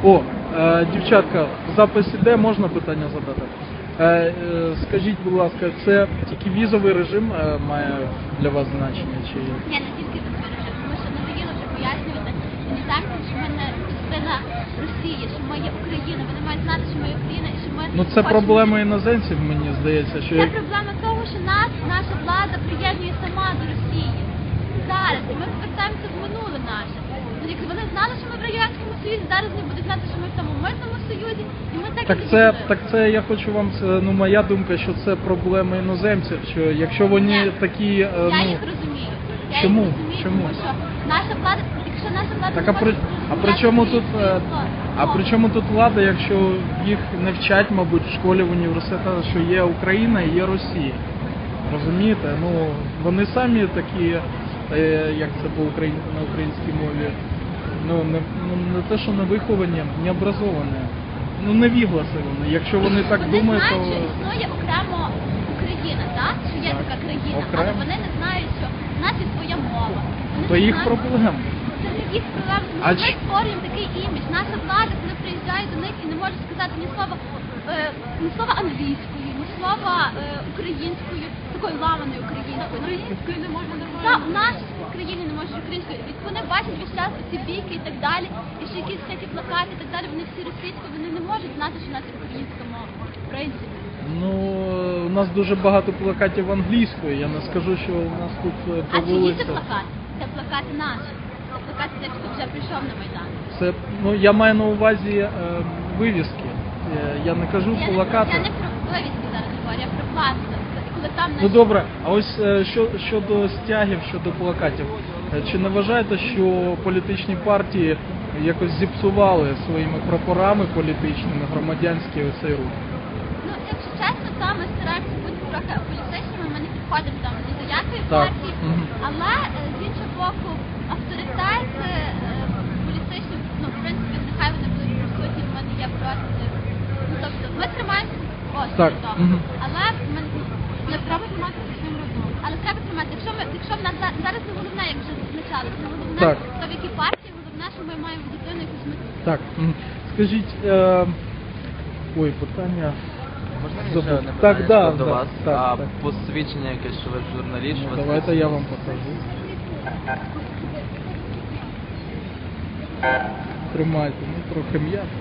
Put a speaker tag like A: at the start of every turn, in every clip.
A: О, дівчатка, запис іде, можна питання задати? Скажіть, будь ласка, це тільки візовий режим має для вас значення? Чи...
B: Ні, не тільки візовий режим, тому що надоїло вже пояснювати іноземцям, що ми не частина Росії, що ми є Україна, вони мають знати, що ми є Україна і що ми...
A: Ну це проблема іноземців, мені здається, що...
B: Це проблема того, що наша влада приєднує сама до Росії. Зараз, і ми повертаємося в минуле наше. Якщо вони знали, що ми в Радянському Союзі, зараз вони будуть знати, що ми в тому митному союзі, і ми так і будемо.
A: Так це я хочу вам, ну моя думка, що це проблема іноземців, що якщо вони такі...
B: Я їх розумію.
A: Чому?
B: Тому що наша влада, якщо наша влада...
A: Так, а при чому тут влада, якщо їх не вчать, мабуть, в школі, в університетах, що є Україна і є Росія? Розумієте? Ну, вони самі такі, як це на українській мові, не те, що не виховані, не образовані. Ну, невігласи вони. Якщо вони так думають, то...
B: Вони знають, що існує окремо Україна, так? Що є така країна,
A: окремо.
B: Але вони не знають, що в нас є своя мова.
A: То їх проблема.
B: Це не їх проблема, тому що ми створюємо такий імідж. Наша влада, коли приїжджає до них і не може сказати ні слова англійською, ні слова українською, такою ламаною українською. Українською не можна нормально. Так, в нашій країні не можуть українською. І вони бачать весь час ці бійки і так далі, і ще якісь всякі плакати і так далі, вони всі російською, вони не можуть знати, що в нас є українська мова. В принципі.
A: Ну, у нас дуже багато плакатів англійською, я не скажу, що у нас тут по
B: вулиці. А чиї це
A: вулицях...
B: плакати? Це плакати наші. Це плакати тих, хто вже прийшов на Майдан.
A: Це, ну, я маю на увазі вивіски. Я не кажу плакати.
B: Я не про вивіски зараз говорю, я про плакати. Коли там
A: Ну добре, а ось щодо стягів, щодо плакатів. Чи не вважаєте, що політичні партії якось зіпсували своїми прапорами політичними громадянський оцей рух?
B: Ну, якщо чесно, то ми стараємося бути трохи політичними, ми не підходимо там ні до якої
A: Так.
B: партії, але з іншого боку, авторитет політичний, ну, в принципі, нехай вони будуть присутні, в мене є проти. Ну, тобто, ми тримаємося
A: Так.
B: але ми не треба тримати своїм розумом. Але треба тримати, якщо в нас зараз не головне, як вже зазначалося, не головне,
A: Так.
B: то в якій партії, головне, що ми маємо дитину якусь мету.
A: Так, скажіть, ой, питання...
C: Можна мені ще одне
A: Так,
C: питання до
A: да,
C: вас?
A: так,
C: А
A: так.
C: посвідчення якесь, що ви журналіст? що ви
A: Давайте я вам покажу. Тримайте, ну трохи м'яко.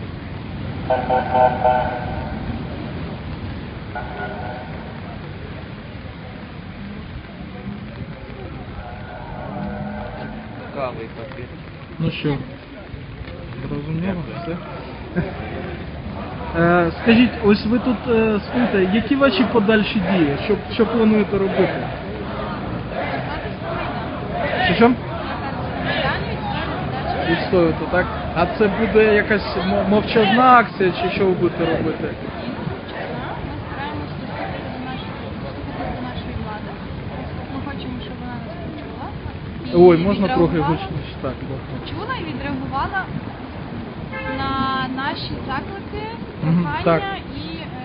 C: Цікавий папір.
A: Ну що, зрозуміло все? Скажіть, ось ви тут стоїте, які ваші подальші дії? Що плануєте робити? Що? Відстоювати, так? А це буде якась мовчазна акція, чи що ви будете робити?
D: Ми стараємося достукатися до нашої влади. Ми хочемо, щоб вона нас почула.
A: Ой, можна трохи гучніше? Так, добре.
D: Почула і відреагувала на наші заклики,
A: так.
D: прохання і...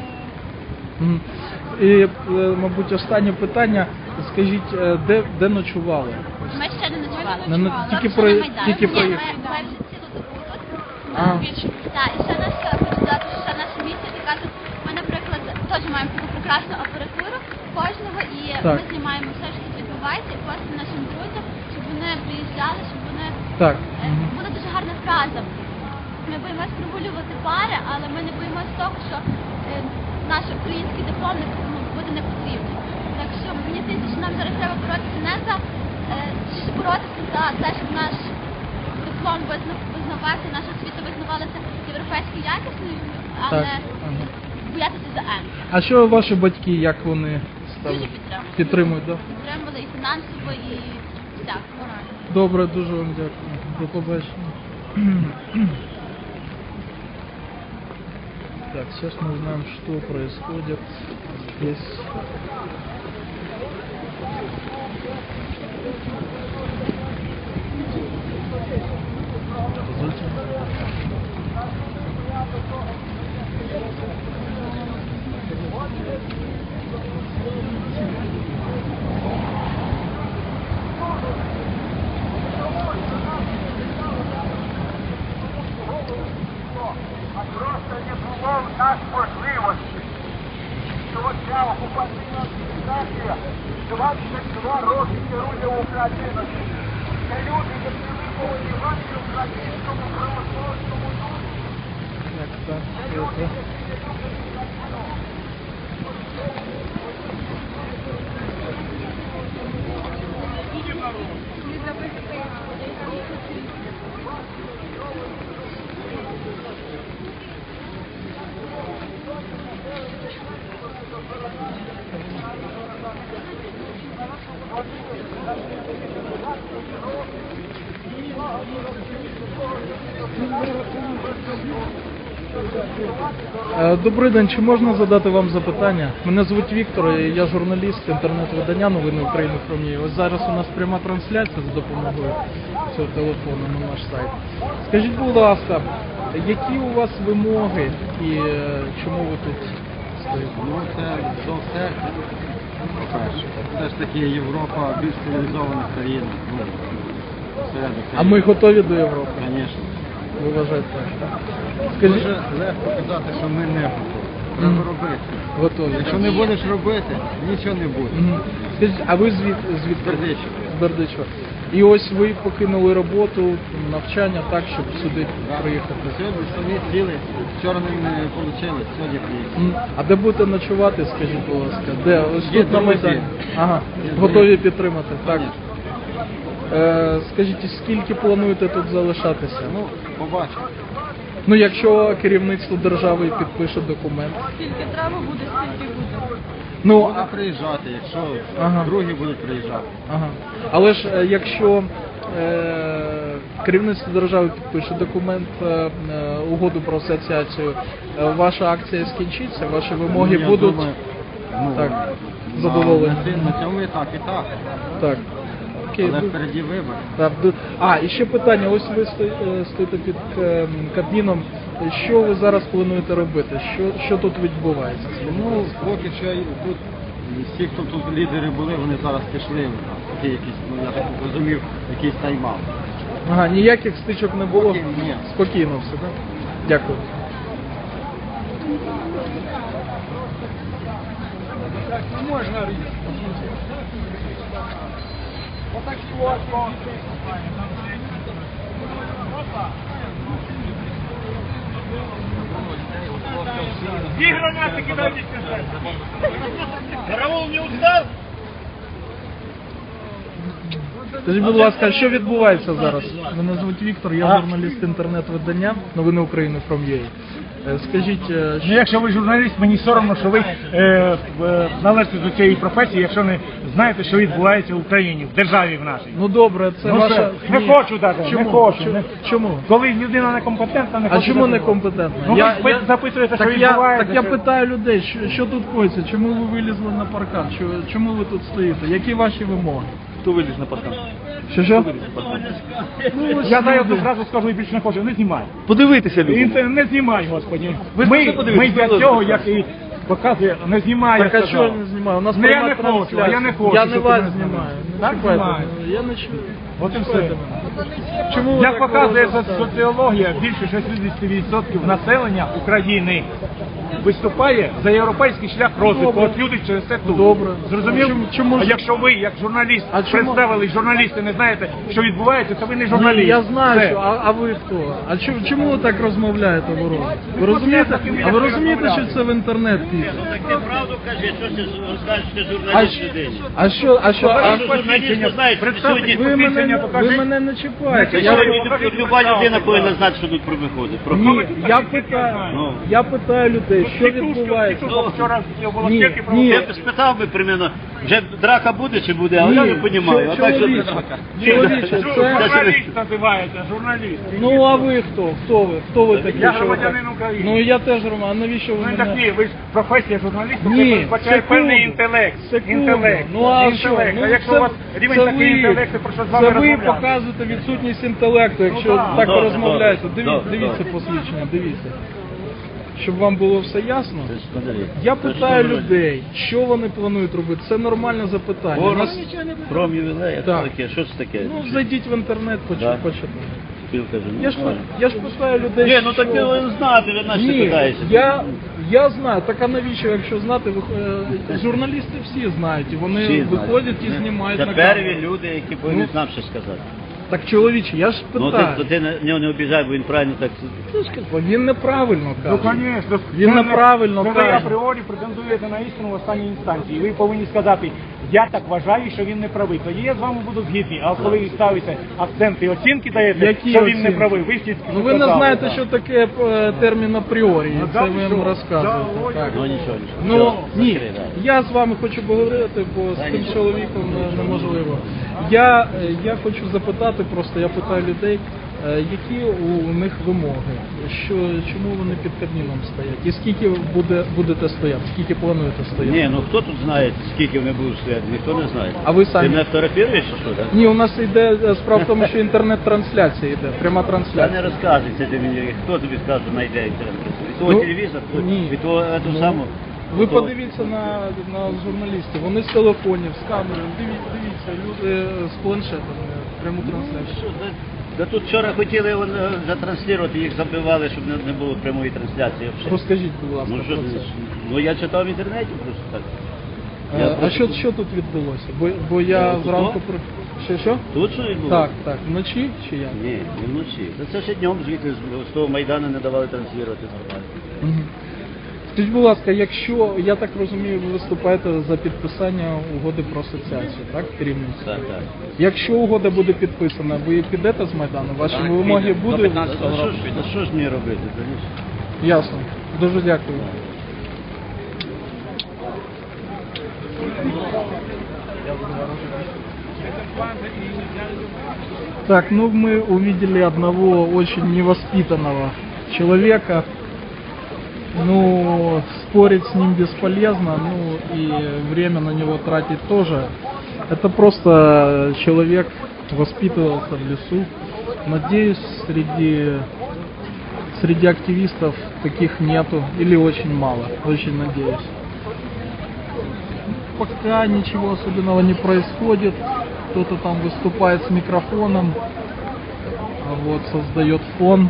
A: І, мабуть, останнє питання. Скажіть, де ночували?
B: Ми ще не ночували.
A: Тільки
B: Ще на Майдані.
A: тільки
B: Ні,
A: проїхали.
B: ми вже цілу добу тут.
A: А.
B: Так, і ще наша, хочу сказати, що ще наша місія така, що ми, наприклад, теж маємо таку прекрасну апаратуру кожного, і
A: Так.
B: ми знімаємо все, що тут відбувається, і просимо нашим друзям, щоб вони приїжджали, щоб вони...
A: Так.
B: Була дуже гарна фраза. Ми боїмось прогулювати пари, але ми не боїмось того, що наш український диплом буде не потрібний. Так що мені здається, що нам зараз треба боротися не за боротися за те, щоб наш диплом визнавався, наша освіта визнавалася європейською якісною, а
A: Так.
B: не боятися за М.
A: А що ваші батьки, як вони ставлять?
B: Дуже підтримують.
A: Підтримують, так?
B: Підтримували і фінансово, і всяк.
A: Добре, дуже вам дякую. До побачення. Так, сейчас мы узнаем, что происходит здесь. Позвольте.
E: числом дасть можливості, що ця окупаційна адміністрація 22 роки керує Україною. Це люди, які виховані в антиукраїнському православному духі. Це люди, які не люблять Україну.
A: Добрий день, чи можна задати вам запитання? Мене звуть Віктор, і я журналіст інтернет-видання «Новини України Хромії». Ось зараз у нас пряма трансляція за допомогою цього телефону на наш сайт. Скажіть, будь ласка, які у вас вимоги і чому ви тут стоїте?
F: Ну, це до все, по-перше. Все ж таки Європа більш цивілізована країна. Ну, всередині.
A: А ми готові до Європи?
F: Звісно.
A: Ви вважаєте так? Скажіть,
F: Дуже легко казати, що ми не готові. Треба робити.
A: готові.
F: Якщо не будеш робити, нічого не буде.
A: Мгм. Скажіть, а ви звідки?
F: Бердичева.
A: З Бердичева. І ось ви покинули роботу, навчання так, щоб сюди приїхати.
F: Сьогодні самі сіли, вчора не вийшло, сьогодні приїхали.
A: А де будете ночувати, скажіть, будь ласка? Де? Ось
F: Є
A: тут на
F: друзі.
A: Майдані. Ага,
F: Є
A: готові
F: друзі.
A: підтримати, так. Скажіть, і скільки плануєте тут залишатися?
F: Ну, побачимо.
A: Ну, якщо керівництво держави підпише документ.
D: Скільки треба буде, стільки буде.
A: Ну,
F: Можна приїжджати, якщо
A: Ага.
F: другі будуть приїжджати.
A: ага. Але ж якщо керівництво держави підпише документ, угоду про асоціацію, ваша акція скінчиться, ваші вимоги
F: Ну, я
A: будуть
F: думаю, ну,
A: так, задоволені.
F: На цьому етапі так.
A: Так. Окей.
F: Але
A: ну,
F: впереді вибори.
A: Так, і ще питання. Ось ви стоїте під Кабміном. Що ви зараз плануєте робити? Що тут відбувається?
F: Ну, поки що тут всі, хто тут лідери були, вони зараз пішли. Такі якісь, ну я так розумів, якийсь тайм-аут.
A: Ага, ніяких стичок не було?
F: Поки ні.
A: Спокійно все, так? Дякую.
E: Две гранаты кидайте сюда. Караул не устал?
A: Скажіть, будь ласка, що відбувається зараз? Мене звуть Віктор, я журналіст інтернет-видання «Новини України From.ua». Скажіть,
G: Ну, якщо ви журналіст, мені соромно, що ви належите до цієї професії, якщо не знаєте, що відбувається в Україні, в державі в нашій.
A: ну добре, це
G: Ну,
A: ваша...
G: не
A: Ні.
G: хочу навіть,
A: Чому?
G: не хочу.
A: Чому?
G: Коли людина некомпетентна, не
A: А
G: хоче
A: чому
G: навіть.
A: некомпетентна?
G: Ну, ви запитуєте, що
A: так
G: відбувається.
A: я питаю людей, що тут коїться, чому ви вилізли на паркан, чому ви тут стоїте, які ваші вимоги?
H: Хто виліз на паркан?
A: Що?
G: Ну, я зараз одразу скажу і більше не хочу, не знімай.
H: Подивитися люди.
G: Не знімай, Господи.
H: Ви
G: Ми
H: ж подивіться,
G: для
H: будь
G: цього,
H: ласка.
G: як і показує, не знімай.
A: Так
G: я
A: а що
G: сказав.
A: я не знімаю? У нас
G: Ну, я
A: пряма
G: не хочу,
A: трансляція.
G: я не хочу,
A: Я не
G: щоб
A: вас
G: ти не
A: знімаю. Не
G: Так
A: чіпайте
G: знімаю.
A: мене. Я не чую.
G: От і все.
A: Чіпайте мене. Чому ви
G: Як
A: так
G: показує
A: робите?
G: соціологія, більше 60% населення України виступає за європейський шлях розвитку.
A: Добре.
G: От люди через це тут.
A: Добре.
G: Зрозумів?
A: Чому
G: А
A: ж-
G: якщо ви, як журналіст,
A: А чому-
G: представили журналісти, не знаєте, що відбувається, то ви не журналіст.
A: Ні, я знаю,
G: Все.
A: що, а ви хто? А чому ви так розмовляєте ворога? Ви розумієте? А ви розумієте, що це в інтернет піде?
E: Так правду кажи, що ти скажеш, що
A: А,
E: журналіст людей. Журналіст не знає, що сьогодні...
A: ви мене не чіпаєте.
E: Люба людина повинна знати, що тут виходить.
A: Ні, я питаю людей, що відбувається. Ні, ні.
E: Я б спитав би примерно, вже драка буде чи буде, але я не розумію. А так що...
A: Чоловіче, це...
G: Журналіст називається, журналіст.
A: Ну а ви хто? Хто ви такі?
G: Я
A: що ви
G: громадянин
A: так?
G: України.
A: Ну я теж Роман, а навіщо ви
G: Ну так
A: мене...
G: ні, ви ж професія журналіста, це
A: Ні,
G: передбачає певний інтелект. Інтелект.
A: Ну а
G: Інтелект.
A: що?
G: А якщо
A: це,
G: у вас рівень
A: це
G: такий
A: ви,
G: інтелекту, про що з вами
A: це ви
G: розмовляти?
A: показуєте відсутність інтелекту, якщо
G: так.
A: так
E: Добре,
A: розмовляєте.
E: добре,
A: Дивіться
E: добре.
A: посвідчення, дивіться. Щоб вам було все ясно, я питаю людей, що вони планують робити. Це нормальне запитання. У нас-
E: Пром ювілея,
A: Так.
E: що таке? Що це таке?
A: Ну, зайдіть в інтернет,
E: Да.
A: почитайте.
I: Він каже, ну,
A: Я ж питаю людей,
I: ні, ну так
A: що...
I: ти знати, ви наче
A: Ні,
I: питаєшся.
A: я знаю, так а навіщо, якщо знати, журналісти всі знають, і вони
I: Всі
A: виходять
I: знають.
A: і знімають
I: Це
A: на
I: перві
A: камеру.
I: люди, які повинні нам щось сказати.
A: Так, чоловіче, я ж
I: Ну
A: питаю.
I: ти нього не обіжай, бо він правильно так...
A: Бо він неправильно
G: Ну,
A: каже.
G: звісно.
A: Він неправильно
G: ви
A: каже.
G: апріорі претендуєте на істину в останній інстанції. Ви повинні сказати, я так вважаю, що він не правий. Тоді я з вами буду згідний. А коли ви ставите акценти і оцінки даєте,
A: Які
G: що він
A: оцінки?
G: не правий, ви всі
A: Ну ви не знаєте, що таке термін апріорі,
G: Ну,
A: це
G: да,
A: ви
G: що?
A: їм розказуєте.
G: Да,
A: Так.
I: Ну нічого.
A: Ну
I: Все,
A: ні,
I: закрий, да.
A: я з вами хочу поговорити, бо з тим чоловіком неможливо. Я хочу запитати, просто я питаю людей, які у них вимоги, чому вони під Кабміном стоять, і скільки будете стояти, скільки плануєте стояти?
I: Ні, ну хто тут знає, скільки вони будуть стояти, ніхто не знає.
A: А ви самі?
I: Ти мене фотографуєш чи що, так?
A: Ні, у нас йде справа в тому, що інтернет-трансляція йде, пряма
I: Та
A: трансляція.
I: не розказуйся ти мені, хто тобі сказав, що знайде інтернет? Від того
A: Ну,
I: телевізор,
A: ні.
I: від того ту
A: Ну,
I: саму.
A: Ви
I: того-
A: подивіться на журналістів, вони з телефонів, з камерою, дивіться, люди з планшетами, пряму трансляцію.
I: Що, да тут вчора хотіли затранслювати, їх забивали, щоб не було прямої трансляції. взагалі.
A: Розкажіть, будь ласка,
I: Ну, що,
A: про це.
I: ну я читав в інтернеті просто так.
A: А що тут відбулося? Бо я
I: Тут
A: зранку
I: що?
A: Що?
I: Тут що відбулося?
A: Так, вночі чи як?
I: Ні, не вночі. Це ще днем звідти з того Майдану не давали транслювати нормально.
A: Мгм. Скажіть, будь ласка, якщо, я так розумію, ви виступаєте за підписання угоди про асоціацію, так, керівництво?
I: Так, так.
A: Якщо угода буде підписана, ви підете з Майдану? Ваші вимоги будуть?
I: А що ж мені робити? Конечно.
A: Ясно. Дуже дякую. Так, ну мы увидели одного очень невоспитанного человека. Ну, спорить с ним бесполезно, ну и время на него тратить тоже. Это просто человек воспитывался в лесу. Надеюсь, среди активистов таких нету или очень мало. Очень надеюсь. Пока ничего особенного не происходит. Кто-то там выступает с микрофоном, вот, создает фон.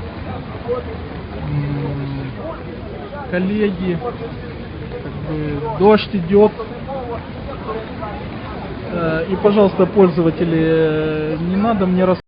A: Коллеги, как бы, дождь идет. И, пожалуйста, пользователи, не надо мне рассказывать.